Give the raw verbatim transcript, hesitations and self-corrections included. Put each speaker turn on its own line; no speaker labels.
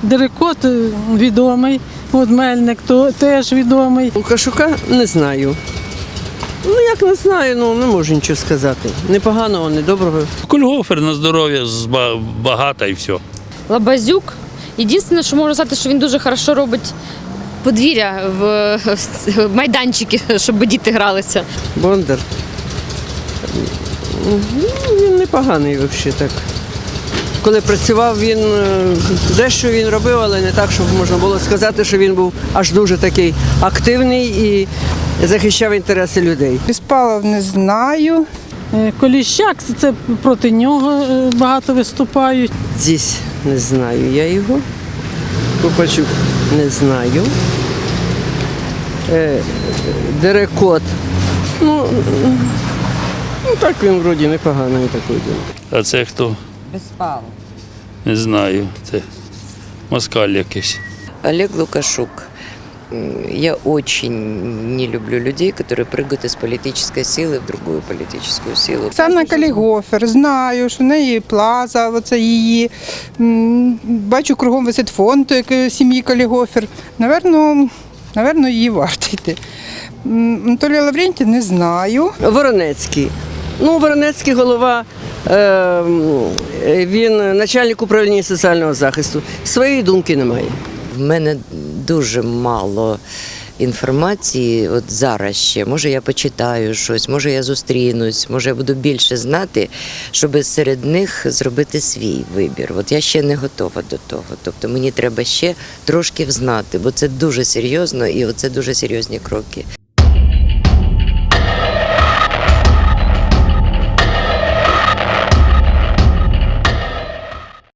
Дерекот відомий, от Мельник то теж відомий.
Лукашука не знаю. Ну, як не знаю, ну не можу нічого сказати. Не поганого, не доброго.
Кольгофер на здоров'я багато і все.
Лабазюк. Єдине, що можу сказати, що він дуже хорошо робить подвір'я в майданчики, щоб діти гралися.
Бондар. Ну, він непоганий взагалі так. Коли працював, він дещо він робив, але не так, щоб можна було сказати, що він був аж дуже такий активний і захищав інтереси людей.
Беспалов не знаю.
Коліщак, це проти нього багато виступають.
Здесь не знаю я його. Купачук не знаю. Дерекот. Ну, ну так він вроді непоганий такий.
А це хто?
Беспалов.
Не знаю. Це москаль якийсь.
Олег Лукашук. Я очень не люблю людей, которые прыгают из политической силы в другую политическую силу.
Оксана Калігофер, знаю, що в неї плаза, оце її. М, Бачу, кругом висить фонд як сім'ї Калігофер. Наверно, наверно, її варто йти. М, Анатолія Лаврентія не знаю.
Воронецький. Ну, Воронецький голова, е, він начальник управління соціального захисту. Своєї думки немає.
В мене дуже мало інформації от зараз ще. Може я почитаю щось, може я зустрінусь, може я буду більше знати, щоб серед них зробити свій вибір. От я ще не готова до того. Тобто мені треба ще трошки взнати, бо це дуже серйозно і це дуже серйозні кроки.